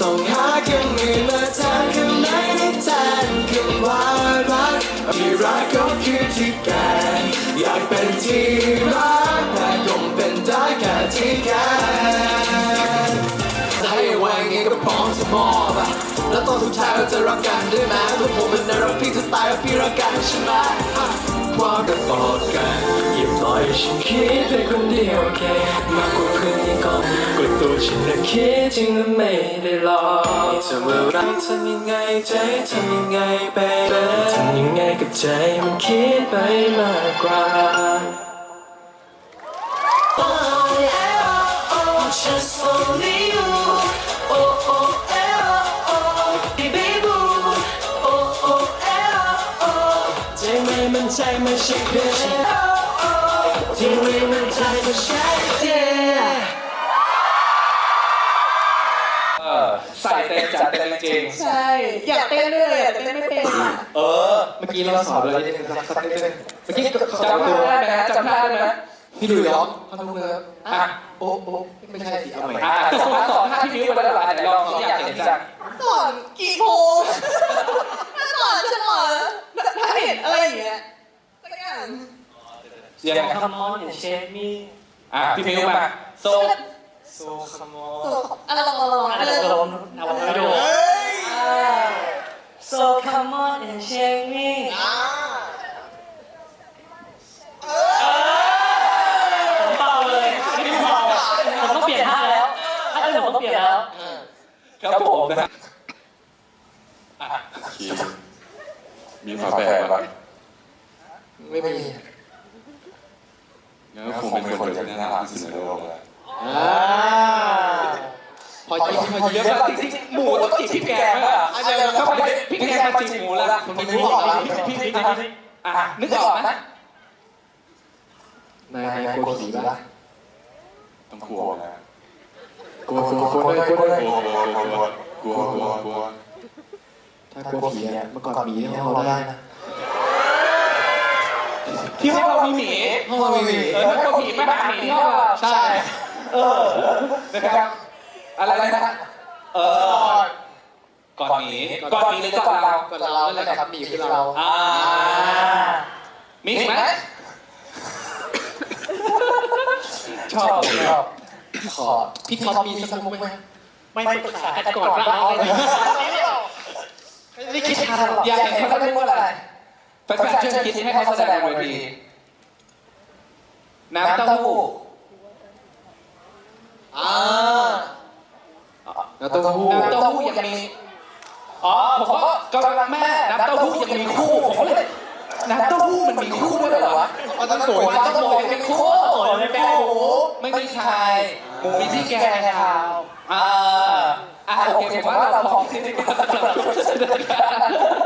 ต้องหาคำอื่นมาแทนคำไหนที่แทนคำว่ารักที่รักก็คือที่แกอยากเป็นที่รักแต่คงเป็นได้แค่ที่แกให้ไว้ไงก็พร้อมจะมอบแล้วตอนสุดท้ายเราจะรักกันได้ไหมตัวผมเป็นนายรักพี่เธอตายแล้วพี่รักกันใช่ไหมความกระปอดกันอย่าปล่อยฉันคิดไปคนเดียวแค่มากกว่าเพื่อนยังก่อนกดตัวฉันนะคิดจริงและไม่ได้หลอกจะเมื่อไรทำยังไงใจทำยังไงไปทำยังไงกับใจมันคิดไปมากกว่าJust only you, oh oh oh, baby boo, oh oh oh, ใจไม่มันใจไม่ใช่เพื่อนที่ไม่มันใจไม่ใช่เด็ใส่เต็มจัดเต็มจริงใช่อยากเต้นด้วยอยากเต้นไม่เป็นอ่ะเมื่อกี้เราสอนเลยสักนิดนึงเมื่อกี้จำได้ไหมจำได้ไหมพี่ดูย้อมเขาทำเลยโอ้ไม่ใช่สิเอาใหม่สอน5พี่มิ้วไปแล้วหลายแต่ลองอยากเห็นจังสอนกี่โมงสอนฉันหรอถ้าเห็นอะไรอย่างเงี้ยสักอย่างเสียง Come on and shake me พี่มิ้วมา so come on ลองไม่ดู So come on and shake meผมต้องเปลี่ยนท่าแล้วถ้าเกิดผมต้องเปลี่ยนแล้วครับผมนะมีฝาแฝดปะไม่มีงั้นคงเป็นคนที่น่ารักที่สุดในโลกเลยพอเยอะจริงๆหมูต้องจีบพี่แกงป่ะถ้าพี่แกงมาจีบหมูแล้วผมนึกออกแล้วพี่นึกออกไหมนายกลัวผีป่ะต้องกลัวนะกลัวถ้ากลัวผีเนี่ยเมื่อก่อนมีที่ห้องเราได้นะที่ห้องเรามีหมีห้องเรามีหมีถ้ากลัวผีไม่หาหมีที่ห้องเราใช่นะครับอะไรนะก่อนหมีหรือก่อนเรานั่นแหละครับหมีคือเรามีไหมชอบขอพี่ท็อปมีสักมุกไหมไม่ปรึกษากันก่อนว่าเอาอะไรไม่คิดทางหรอกอยากเห็นเขาเล่นว่าอะไรแฟนๆช่วยคิดให้เขาแสดงบนเวทีน้ำเต้าหู้น้ำเต้าหู้ยังมีผมก็กำลังแม่น้ำเต้าหู้ยังมีคู่ผมก็เลยน้ำเต้าหู้มันมีคู่ด้วยเหรอวะต้องโวยเป็นคู่เป็นแป้งหมูไม่มีชายหมูมีที่แกงครับโอเคผมว่าเราพร้อมที่จะ